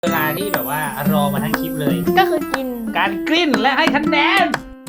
เวลาที่แบบว่ารอมาทั้งคลิปเลยก็คือกินการกลิ้นและให้คะแนน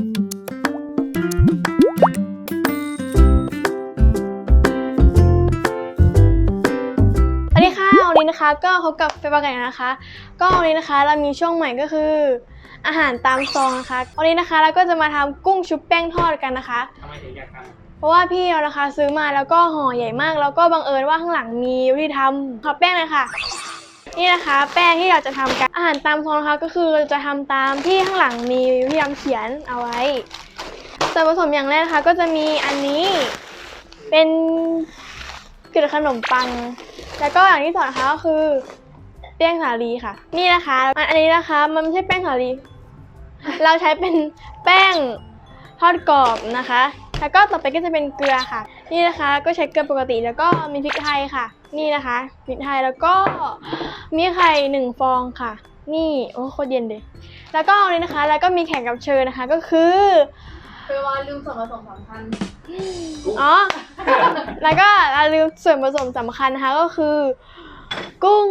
สวัสดีค่ะวันนี้นะคะก็พบกับเฟย์ปาไก่นะคะก็วันนี้นะคะเรามีช่วงใหม่ก็คืออาหารตามซองนะคะวันนี้นะคะเราก็จะมาทำกุ้งชุบแป้งทอดกันนะคะทำไมถึงอยากทเพราะว่าพี่เรานะคะซื้อมาแล้วก็ห่อใหญ่มากแล้วก็บังเอิญว่าข้างหลังมีวิธีทำขอแป้งเลยค่ะนี่นะคะแป้งที่เราจะทำกันอาหารตามซองนะคะก็คือเราจะทำตามที่ข้างหลังมีวิธีทำเขียนเอาไว้ส่วนผสมอย่างแรกนะคะก็จะมีอันนี้เป็นเกล็ดขนมปังแล้วก็อย่างที่สองนะคะก็คือแป้งสาลีค่ะนี่นะคะอันนี้นะคะมันไม่ใช่แป้งสาลีเราใช้เป็นแป้งทอดกรอบนะคะแล้วก็ต่อไปก็จะเป็นเกลือค่ะนี่นะคะก็ใช้เกลือปกติแล้วก็มีพริกไทยค่ะนี่นะคะพริกไทยแล้วก็มีไข่1 ฟองค่ะนี่โอ้โคตรเย็นเลยแล้วก็อันนี้นะคะแล้วก็มีแขกรับเชิญนะคะก็คือว่าลืมส่วนผสมสำคัญอ๋อ แล้วก็เราลืมส่วนผสมสำคัญนะคะก็คือกุ้ง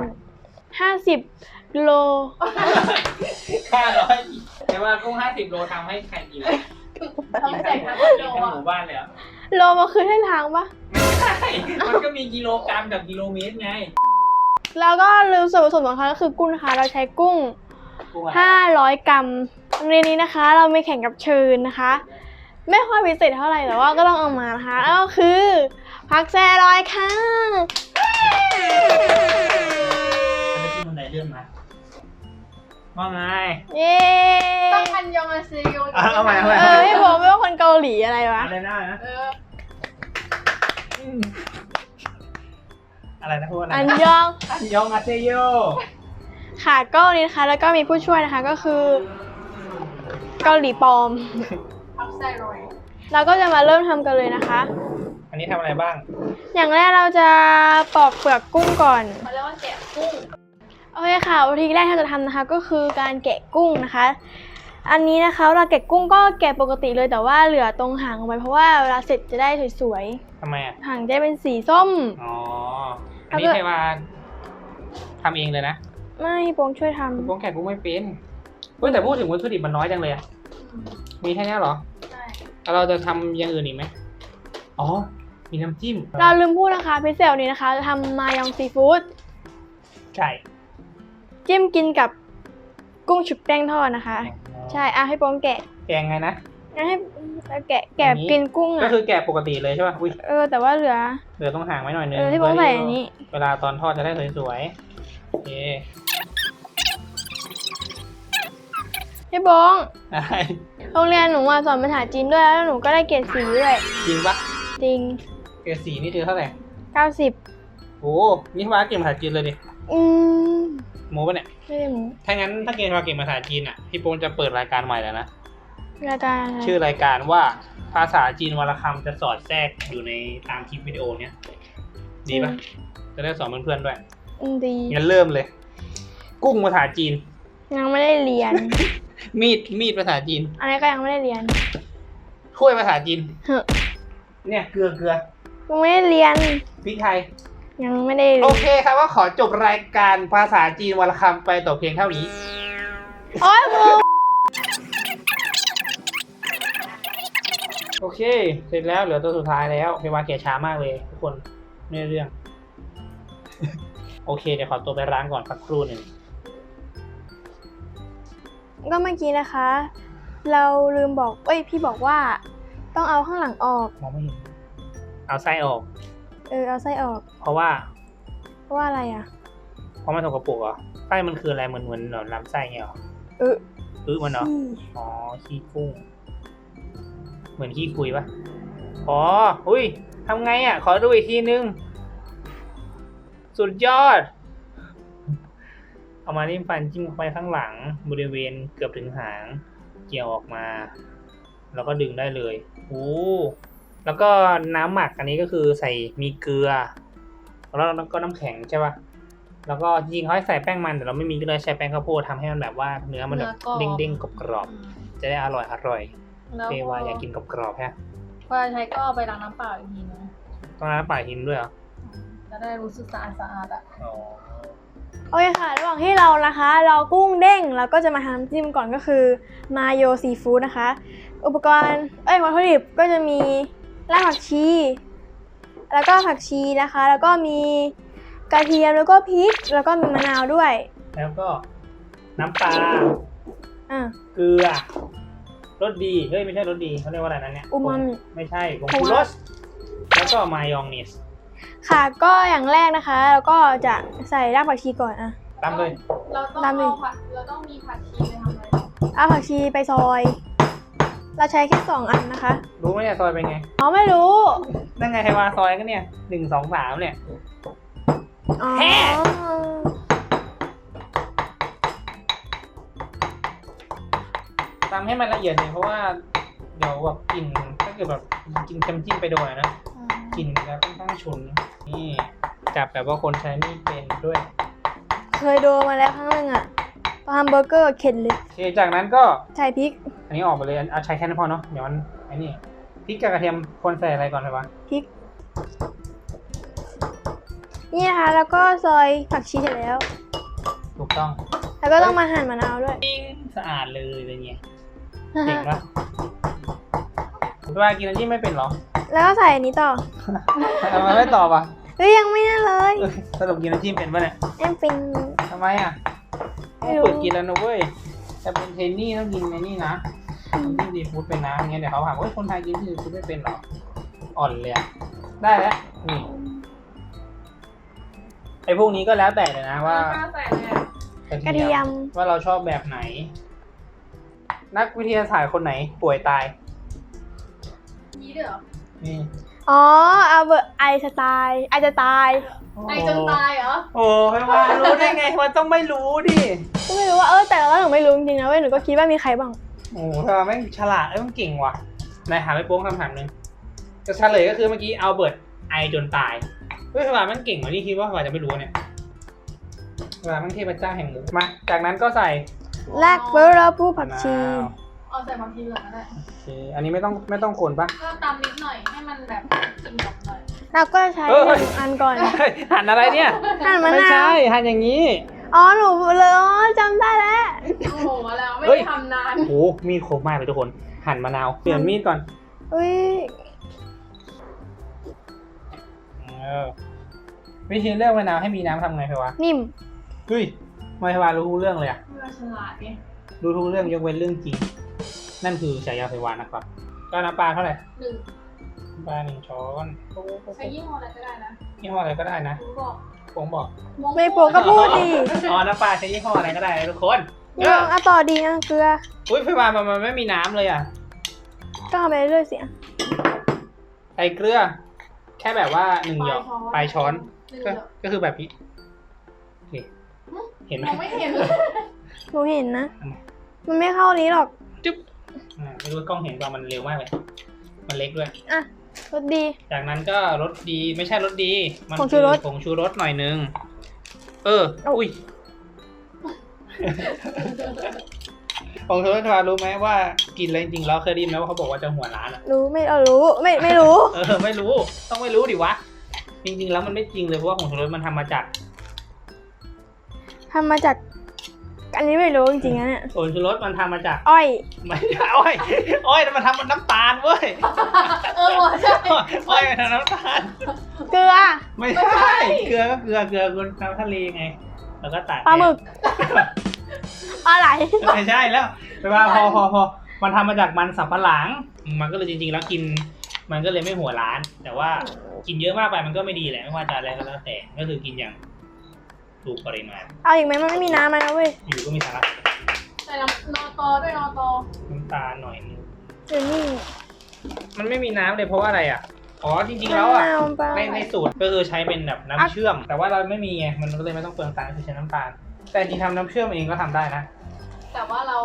50 โลำ500แต่ว่ากุ้ง50 โลทำให้ใครกินกินทั้งหมู่บ้านเลยเหรอโลมาคือให้ล้างปะไม่ใช่มันก็มีกิโลกรัมกับกิโลเมตรไงแล้วก็ลืมส่วนผสมสำคัญก็คือกุ้งนะคะเราใช้กุ้งกุ้งอะไร 500 กรัมในนี้นะคะเรามีแข่งกับเชิญนะคะ ไม่ค่อยพิเศษเท่าไหร่แต่ว่าก็ต้องเอามานะคะแล้วก็คือผักแซลอยค่ะอันนี้ที่มันไหนเรื่องนะว่าไงเย้ต้องอันยองอาเซโยเอาใหม่พี่บอกไม่ว่าคนเกาหลีอะไรวะอะไรนะ อะไรนะพูดอะไรอันยองอันยองอาเซโยค่ะก็วันนี้นะคะแล้วก็มีผู้ช่วยนะคะก็คือเกาหลีปลอมพักไซรอยเราก็จะมาเริ่มทำกันเลยนะคะอันนี้ทำอะไรบ้างอย่างแรกเราจะปอกเปลือกกุ้งก่อนเขาเรียกว่าแกะกุ้งโอเคค่ะวิธีแรกที่เราจะทำนะคะก็คือการแกะกุ้งนะคะ อันนี้นะคะเราแกะกุ้งก็แกะปกติเลยแต่ว่าเหลือตรงหางเอาไว้เพราะว่าเวลาเสร็จจะได้สวยทำไมอ่ะๆหางจะได้เป็นสีส้มอ๋อ อันนี้แล้วก็ใครมาทำเองเลยนะไม่โปงช่วยทำกุ้งแกะกุ้งไม่เป็นเฮ้ยแต่พูดถึงวัตถุดิบมันน้อยจังเลยอะมีแค่นี้เหรอใช่แล้วเราจะทำอย่างอื่นอีกไหมอ๋อ มีน้ำจิ้มเราลืมพูดนะคะพิเศษวันนี้นะคะจะทำมายองซีฟู้ดไก่จิ้มกินกับกุ้งชุบแป้งทอดนะคะ ใช่ให้โปงแกะแกงไงนะงั้นให้แกะอย่างนี้กินกุ้งก็อ่ะคือแกะปกติเลยใช่ป่ะ อุ้ยแต่ว่าเหลือเหลือต้องห่างไว้หน่อยนึงที่โปงใส่อันนี้เวลาตอนทอดจะได้สวยๆโอเคพี่โปงอะไรโรงเรียนหนูสอนภาษาจีนด้วยแล้วหนูก็ได้เกรด4ด้วยจริงปะจริงเกรด4นี่คือเท่าไหร่ 90 โอ้นี่ว่าเก่งภาษาจีนเลยดิอืมโม้ปะเนี่ยไม่ได้หมูถ้างั้นถ้าเก่งภาษาจีนอ่ะ พี่โป้งจะเปิดรายการใหม่แล้วนะรายการอะไรชื่อรายการว่าภาษาจีนวรรณคำจะสอดแทรกอยู่ในตามคลิปวิดีโอเนี้ย ดีปะจะได้สอนเพื่อนๆด้วยดีงั้นเริ่มเลย กุ้งภาษาจีนยังไม่ได้เรียนมีดภาษาจีนอันนี้ก็ยังไม่ได้เรียนถ้วยภาษาจีนเฮ้อเนี่ยเกลือยังไม่ได้เรียนพริกไทยยังไม่ได้เรีโอยนเคครับก็ขอจบรายการภาษาจีนวรรณคำไปต่อเพียงเท่านี้โอ๊ยมึงโอเค เสร็จแล้วเหลือตัวสุดท้ายแล้วเพวาแกะช้ามากเลยทุกคนไม่ได้เรื่อง โอเคเดี๋ยวขอตัวไปล้างก่อนสักครู่หนึ่งก็เมื่อกี้นะคะ เราลืมบอกพี่บอกว่า ต้องเอาข้างหลังออกมองไม่เห็น เอาไส้ออกเอาไส้ออกเพราะว่าเพราะว่าอะไรอ่ะเพราะมันสกปรกเหรอไส้มันคืออะไรเหมือนลำไส้เงี้ยเหรอเออมันเหรอ อ๋อ ขี้กุ้ง เหมือนขี้คุยปะอ๋อ อุ้ยทำไงอ่ะ ขอดูอีกทีนึง สุดยอด เอามานิ่มฟันจิ้มเข้าไปข้างหลัง บริเวณเกือบถึงหาง เกี่ยวออกมา แล้วก็ดึงได้เลยโอ้แล้วก็น้ำหมักอันนี้ก็คือใส่มีเกลือ แล้วก็น้ำแข็งใช่ปะแล้วก็จริงๆเขาให้ใส่แป้งมันแต่เราไม่มีก็เลยใช้แป้งข้าวโพดทำให้มันแบบว่าเนื้อมันแบบเด้งๆกรอบๆจะได้อร่อยแล้วเฟว่าอยากกินกรอบๆฮะพอใช้ก็เอาไปล้างน้ำเปล่าอีกทีนึงต้องน้ำป่าหินด้วยเหรอจะได้รู้สึกสะอาดอ่ะอ๋อโอเคค่ะ ระหว่างที่เรานะคะเรากุ้งเด้งเราก็จะมาทำน้ำจิ้มก่อนก็คือมาโยซีฟู้ดนะคะ อุปกรณ์วัตถุดิบก็จะมีรากผักชี แล้วก็ผักชีนะคะ แล้วก็มีกระเทียมแล้วก็พริกแล้วก็มีมะนาวด้วยแล้วก็น้ำปลาอ่ะเกลือรสดีเฮ้ยไม่ใช่รสดีเขาเรียกว่าอะไรนั่นเนี่ยอูมามิไม่ใช่ผงชูรสแล้วก็มายองเนสค่ะก็อย่างแรกนะคะเราก็จะใส่รากผักชีก่อนอ่ะตามเลยเราต้องตามดิเอาผัดเราต้องมีผัดชีไปทำอะไรเอาผักชีไปซอย เราใช้แค่2 อันนะคะรู้ไหมเนี่ยซอยเป็นไงอ๋อไม่รู้นั่นไงไฮวาซอยก็เนี่ย1 2 3เนี่ยอ๋อแฮ่ ตามให้มันละเอียดเลยเพราะว่าเดี๋ยวแบบกลิ่นถ้าเกิดแบบกินเค็มจิ้มไปโดนนะกลิ่นแล้วค่อนข้างฉุนนี่จับแบบว่าคนใช้นี่เป็นด้วยเคยโดนมาแล้วครั้งหนึ่งอ่ะตอนทำเบอร์เกอร์เข็นเลยโอเคจากนั้นก็ใส่พริกอันนี้ออกไปเลยเอาใช้แค่นั้นพอเนาะเดี๋ยวมันไอ้นี่พริกกับกระเทียมควรใส่อะไรก่อนเลยวะพริกนี่นะคะแล้วก็ซอยผักชีเสร็จแล้วถูกต้องแล้วก็ต้องมาหั่นมะนาวด้วยปิ้งสะอาดเลยเป็นไงเก่งปะเวลากินน้ำจิ้มไม่เป็นเหรอแล้วก็ใส่อันนี้ต่อทำไมไม่ตอบอ่ะเฮ้ยยังไม่นั่นเลยสรุปกินน้ำจิ้มเป็นปะเนี่ยแอมปิงทำไมอ่ะไม่รู้ฝึกกินแล้วนะเว้ยจะเป็นเทรนนี่ต้องกินในนี่นะน้ำจิ้มซีฟู้ดเป็นนะอย่างเงี้ยเดี๋ยวเขาถามว่าคนไทยกินซีฟู้ดไม่เป็นเหรออ่อนเลยอะได้แล้วนี่ไอ้พวกนี้ก็แล้วแต่เลยนะว่าข้าวใส่เลยอะกระเทียมว่าเราชอบแบบไหน นักวิทยาศาสตร์คนไหนป่วยตายยีด้วยเหรอนี่อ๋อเอาเบอร์ไอสไตล์ไอจะตายไอจนตายเหรอโอ้ไม่ว่ารู้ได้ไงมันต้องไม่รู้ดิก็ไม่รู้ว่าแต่ว่าหนูไม่รู้จริงๆนะเว้ยหนูก็คิดว่ามีใครบ้างโอ้ทำไมแม่งฉลาดมันเก่งว่ะนายหาไปโป้งคำถามหนึ่งจะเฉลยก็คือเมื่อกี้เอาเบิร์ตไอจนตายเฮ้ยทำไมมันเก่งกว่าที่คิดว่าว่าจะไม่รู้เนี่ยเวลามันเทพเจ้าแห่งหมูมา จากนั้นก็ใส่แรกเบอร์แล้วผู้ผักชีมะนาวเอาใส่ผักชีเหลืองก็ได้โอเคอันนี้ไม่ต้องคนปะก็ตำนิดหน่อยให้มันแบบกินกับหน่อยเราก็ใช้เอ้ย 1 อันก่อนหั่นอะไรเนี่ยหั่นมะไม่นาใช่วหั่นอย่างนี้อ๋อหนูเลยอ๋อจำได้แล้วโอ้โหแล้วไม่เฮ้ยได้ทำนานโอ้มีดคมมากเลยทุกคน หั่นมะนาวเปลี่ยนมีดก่อนอุ้ยวิธีเลือกมะนาวให้มีน้ำทำไงเพวะนิ่มเฮ้ยไม่เพวะรู้ทุกเรื่องเลยอะเพื่อฉลาดไงรู้ทุกเรื่องยกเว้นเรื่องจริง นั่นคือฉายาเพวานะครับก็น้ำปลาเท่าไหร่หนึ่งน้ำปลา1 ช้อนใช้ยี่ห้ออะไรก็ได้นะยี่ห้ออะไรก็ได้นะรู้บอกผมบอกไม่โปะก็พูดดิอ๋อน้ำปลาใช้ยี่ห้ออะไรก็ได้นะทุกคนลองเอาต่อดีอ่ะเกลืออุ้ยเพวามันไม่มีน้ำเลยอ่ะก็เอาไปเรื่อยๆเสียใส่เกลือ แค่แบบว่า1 หยอกปลายช้อนหนึ่งก็เดียวก็คือแบบนี้โอเคเห็นไหมมองไม่เห็นเลยหนูเห็นนะ มันไม่เข้านี้หรอกจุ๊บไม่รู้กล้องเห็นว่ามันเร็วมากเลย มันเล็กด้วยอ่ะรสดีจากนั้นก็รสดีไม่ใช่รสดี มันผงชูรสผงชูรสหน่อยนึง อุ้ย ผงชูรสทารู้ไหมว่ากินแล้วจริงๆแล้วเคยได้ยินไหมว่าเขาบอกว่าจะหัวร้านอ่ะรู้ไม่รู้ไม่รู้ไม่รู้ ต้องไม่รู้ดิวะ จริงๆแล้วมันไม่จริงเลยเพราะว่าผงชูรสมันทำมาจากทำมาจาก อันนี้ไม่รู้จริงๆนะเนี่ยผงชูรสมันทำมาจากอ้อยไม่ใช่อ้อยแต่มันทำมันน้ำตาลเว้ยว่ะใช่อ้อยมันทำน้ำตาลเกลือไม่ใช่เกลือก็เกลือคุณน้ำทะเลไง แล้วก็ตัดปลาหมึกปลาไหลไม่ใช่แล้วแปลว่าพอมันทำมาจากมันสำปะหลัง มันก็เลยจริงๆแล้วกิน มันก็เลยไม่หัวร้าน แต่ว่ากินเยอะมากไปมันก็ไม่ดีแหละไม่ว่าจะอะไรก็แล้วแต่ก็คือกินอย่างถูกปริมาณเอาอีกไหมมันไม่มีน้ำมันนะเว้ยอยู่ก็มีสาระใส่น้ำนอตอด้วยนอตอน้ำตาลหน่อยนึงเดี๋ยวนี่มันไม่มีน้ำเลยเพราะว่าอะไรอ่ะอ๋อจริงๆแล้วอ่ะมะนาวปลาในสูตรก็คือใช้เป็นแบบน้ำเชื่อม แต่ว่าเราไม่มีไงมันก็เลยไม่ต้องเปลืองตังค์คือใช้น้ำตาลแต่จริงๆทำน้ำเชื่อมเองก็ทำได้นะแต่ว่าเรา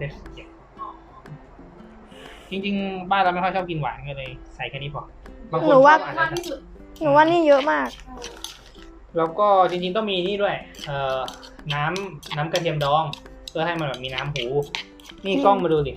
จริงๆบ้านเราไม่ค่อยชอบกินหวานก็เลยใส่แค่นี้พอบางคนหนูชว่าอบหวานมากนะที่สุดหนูว่านี่เยอะมากแล้วก็จริงๆต้องมีนี่ด้วยน้ำกระเทียมดอง เพื่อให้มันแบบมีน้ำหู นี่กล้องมาดูดิ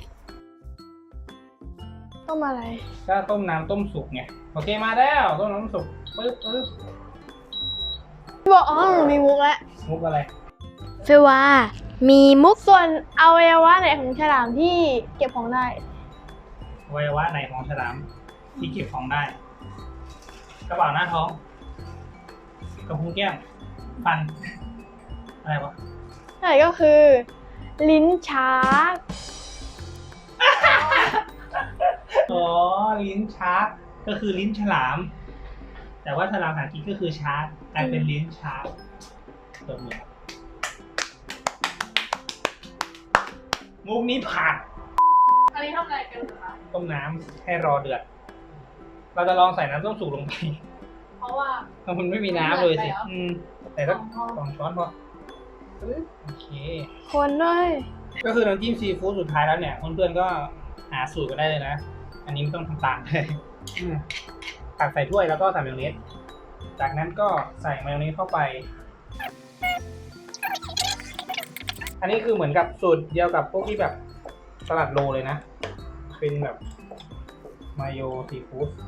ต้มอะไรก็ต้มน้ำต้มสุกไงโอเคมาแล้วต้มน้ำสุกปึ๊บบอกอ๋อหนูมีมุกแล้วมุกอะไรเฟวามีมุกส่วนอวัยวะไหนของฉลามที่เก็บของได้อวัยวะไหนของฉลามที่เก็บของได้ กระเป๋าหน้าท้องกระพุ้งแก้มฟัน อะไรวะใช่ก็คือ ลิ้นชักอ๋อ ลิ้นชาร์กก็คือลิ้นฉลาม แต่ว่าฉลามหางกินก็คือชาร์กกลายเป็นลิ้นชาร์กตัวเหมือนมุกนี้ผ่านอันนี้ทำอะไรกันคะต้มน้ำให้รอเดือด เราจะลองใส่น้ำต้มสุกลงไปเพราะว่ามันไม่มีน้ำเลยสิไม่เดือดไปเหรอใส่สัก2 ช้อนพอโอเคคนด้วยก็คือน้ำจิ้มซีฟู้ดสุดท้ายแล้วเนี่ยเพื่อนๆก็หาสูตรกันได้เลยนะ อันนี้ไม่ต้องทำตามเลยตักใส่ถ้วยแล้วก็ใส่มายองเนสจากนั้นก็ใส่มายองเนสเข้าไป อันนี้คือเหมือนกับสูตรเดียวกับพวกที่แบบสลัดโลเลยนะ เป็นแบบมายองซีฟู้ด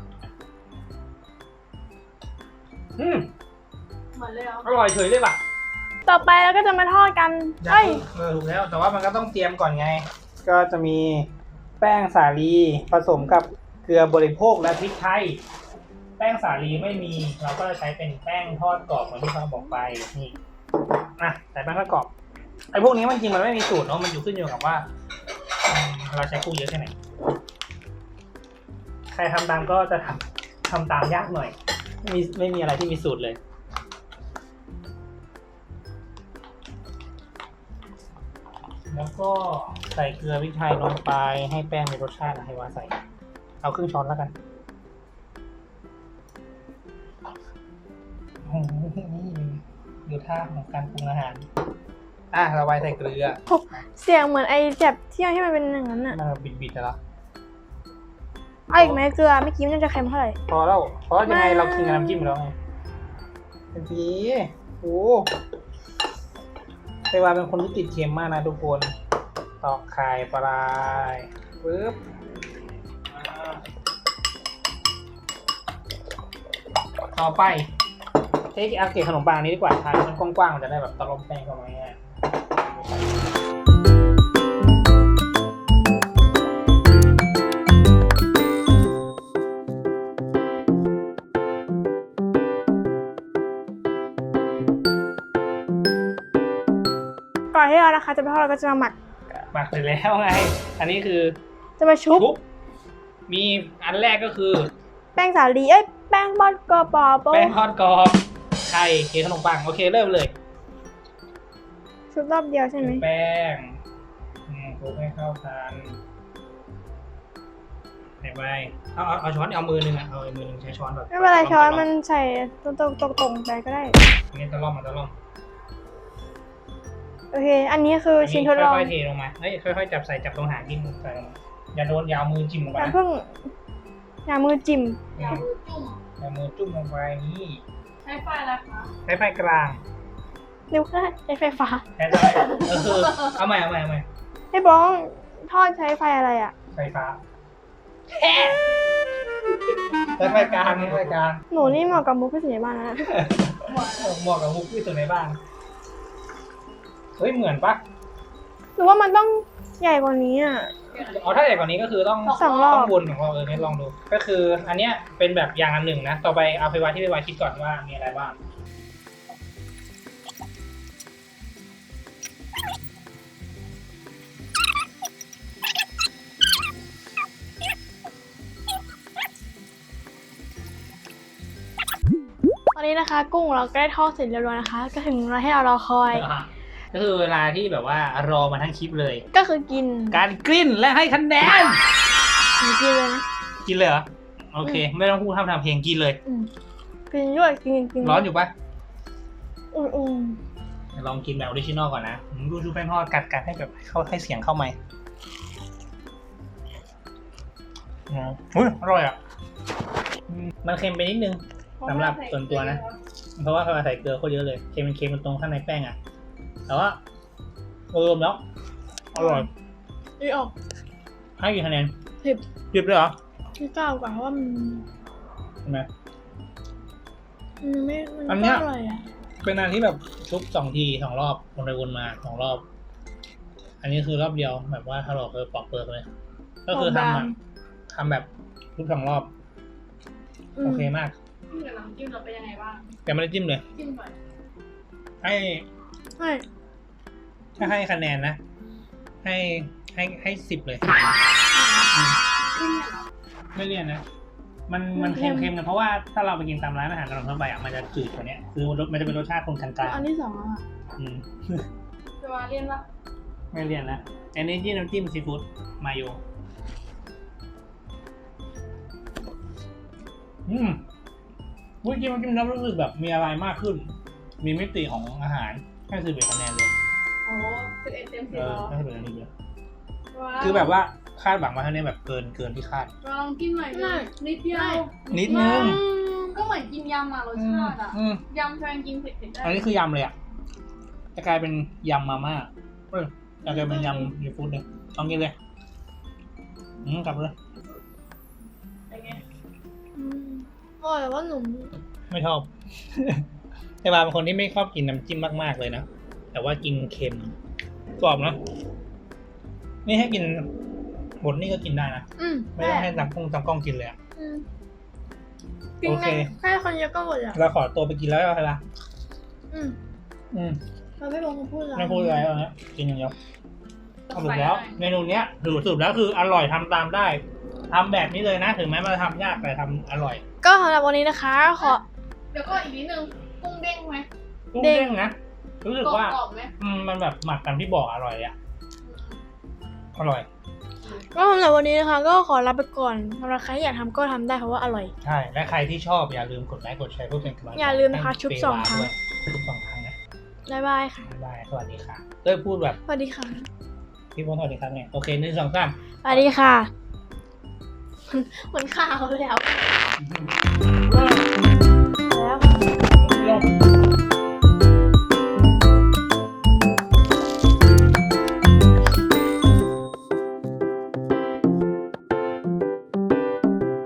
เหมือนเลยเหรออร่อยเฉยเลยป่ะต่อไปเราก็จะมาทอดกันเอ้ยถูกแล้วแต่ว่ามันก็ต้องเตรียมก่อนไง ก็จะมีแป้งสาลีผสมกับเกลือบริโภคและพริกไทย แป้งสาลีไม่มีเราก็จะใช้เป็นแป้งทอดกรอบเหมือนที่เขาบอกไปนี่ใส่แป้งทอดกรอบไอ้พวกนี้มันจริงมันไม่มีสูตรเนาะมันอยู่ขึ้นอยู่กับว่าเราใช้กุ้งเยอะแค่ไหนใครทำตามก็จะทำตามยากหน่อยไม่มีอะไรที่มีสูตรเลยแล้วก็ใส่เกลือพริกไทยลงไปให้แป้งมีรสชาตินะให้ว่าใส่เอาครึ่งช้อนแล้วกันโอ้โหนี่ดูท่าของการปรุงอาหารเราไว้ใส่เกลือเสียงเหมือนไอ้เจ็บเที่ยวที่มันเป็นอย่างนั้นอ่ะมันบิดๆแล้วเอาอีกไหมเกลือไม่อกี้มันจะเค็มเท่าไหร่พอแล้วเพราะยังไงไม่เรากินกับน้ำจิ้มแล้วไงเป็นทีโอ้แต่ว่าเป็นคนที่ติดเค็มมากนะทุกคนตอกไข่ปลายปึ๊บต่อไปเทคเอาเกล็ดขนมปังนี้ดีกว่าทานมันกว้างๆมันจะได้แบบตะลมแป้งเข้ามาง่ายก่อนที่เรานะคะจะไปทอดเราก็จะมาหมักหมักเสร็จแล้วไง อันนี้คือจะมาชุบมีอันแรกก็คือแป้งสาลีแป้งบอดกรอบแป้งทอดกรอบไข่เค้กขนมปังโอเคเริ่มเลยชุบรอบเดียวใช่ไหมแป้งคลุกให้เข้ากันใส่ไปเอาช้อนเอามือหนึ่งเอามือหนึ่งใช้ช้อนแบบไม่เป็นไรช้อนมันใส่ตรงๆไปก็ได้อันนี้ตะล่อมมันตะล่อมโอเค อันนี้คือชิ้นทดลองค่อยๆเทลงมาเฮ้ยค่อยๆจับตรงหางที่มือใส่ลงมาอย่าโดนยาวมือจิ้มลงไปอย่านะเพิ่งอย่ามือจิ้มยาวมือจุ่มอย่ามือจุ่มลงไปนี่ใช้ไฟอะไรคะใช้ไฟกลางเร็วก็ใช้ไฟฟ้าใช้ได้เอาใหม่ให้บ้องทอดใช้ไฟอะไรอ่ะไฟฟ้าใช้ไฟกลางไฟกลางหนูนี่เหมาะกับมุกที่สุดในบ้านนะเหมาะกับมุกที่สุดในบ้านเฮ้ยเหมือนปะหรือว่ามันต้องใหญ่กว่านี้อ่ะถ้าใหญ่กว่านี้ก็คือต้องสองรอบวนของเราเนี่ยลองดู ก็คืออันเนี้ยเป็นแบบอย่างอันหนึ่งนะ ต่อไปเอาไปไว้ที่ไปไว้คิดก่อนว่ามีอะไรบ้างตอนนี้นะคะ กุ้งเราก็ได้ทอดเสร็จเรียบร้อยนะคะ ก็ถึงเวลาให้เรารอคอยก็คือเวลาที่แบบว่ารอมาทั้งคลิปเลยก็คือกินการกลิ้นและให้คะแนนกินเลยนะกินเลยเหรอ โอเค ไม่ต้องพูดทำเพลงกินเลยกินด้วยกินร้อนอยู่ปะอุ่นลองกินแบบออริจินอลก่อนนะดูชูแป้งทอดกัดให้แบบเข้าให้เสียงเข้าไหมอร่อยอ่ะมันเค็มไปนิดนึง สำหรับส่วนตัวนะ เพราะว่าเขาใส่เกลือโคตรเยอะเลยเค็มมันตรงข้างในแป้งอ่ะแต่ว่าโดยรวมแล้วอร่อยดีออกให้กี่คะแนน 10 10เลยเหรอที่9กว่าเพราะว่ามันใช่ไหมมันไม่อันเนี้ยอร่อยอ่ะเป็นอันที่แบบชุบ2 ที 2 รอบวนไปวนมา2 รอบ อันนี้คือรอบเดียวแบบว่าถ้าเราปอกเปลือกเลย ก็คือทำแบบชุบ2 รอบ โอเคมากจิ้มกับน้ำจิ้มเราเป็นยังไงบ้างแต่ไม่ได้จิ้มเลยจิ้มก่อนให้ใช่ถ้าให้คะแนนนะ ให้10 เลยไม่เนี่ยเหรอไม่เลี่ยนนะ มันเค็มๆนะเพราะว่าถ้าเราไปกินตามร้านอาหารตามทั่วไปอ่ะมันจะจืดกว่านี้คือมันจะเป็นรสชาติคนกลางอันที่2อ่ะๆจะมาเรียนปะไม่เลี่ยนนะอันนี้ที่น้ำจิ้มซีฟู้ดมาโยวุ้ยกินมันกินแล้วรู้สึกแบบมีอะไรมากขึ้น มีมิติของอาหารให้11 คะแนนเลยโอ้11 เต็ม 10 เอเหรออให้11 คะแนนเลยว้าวคือแบบว่าคาดหวังมาเท่านี้แบบเกินที่คาดลองจิ้มหน่อยดินิดเดียวนิดนึงก็เหมือนกินยำอ่ะรสชาติอ่ะอืมยำแฟนกินเผ็ดๆได้อันนี้คือยำเลยอ่ะจะกลายเป็นยำมาม่าจะกลายเป็นยำซีฟู้ดเลยลองกินเลยกลับเลยเป็นไงอร่อยแต่ว่าหนุ่มไม่ชอบ แต่บาเป็นคนที่ไม่ชอบกินน้ำจิ้มมากๆเลยนะแต่ว่ากินเค็มกรอบนะนี่ให้กินหมดนี่ก็กินได้นะไม่ต้องให้ตากล้องกินเลยอะ โอเคแค่คนเยอะก็หมดอ่ะเราขอตัวไปกินแล้วใช่ปะเราไม่บอกเขาพูดอะไรไม่พูดอะไรแล้วนะกินอย่างเดียวสรุปแล้วเมนูเนี้ยสรุปแล้วคืออร่อยทำตามได้ทำแบบนี้เลยนะถึงแม้มันจะทำยากแต่ทำอร่อยก็สำหรับวันนี้นะคะขอเดี๋ยวก็อีกนิดนึงกุ้งเด้งไหมกุ้งเด้งนะรู้สึกว่ากรอบๆไหมมันแบบหมักกันที่บอกอร่อยอ่ะอร่อยก็สำหรับวันนี้นะคะ ก็ขอลาไปก่อนสำหรับใครที่อยากทำก็ทำได้เพราะว่าอร่อยใช่และใครที่ชอบอย่าลืมกดไลค์กดแชร์เพื่อเป็นกำลังใจอย่าลืมนะคะให้ชุบเปสองวาครั้งด้วยชุบ2 ครั้งนะบ๊ายบายค่ะบ๊ายบายสวัสดีค่ะเต้ยพูดแบบสวัสดีค่ะพี่พลสวัสดีครับเนี่ยโอเค1 2 3 สวัสดีค่ะ เหมือนข่าวเลยอ่ะเออ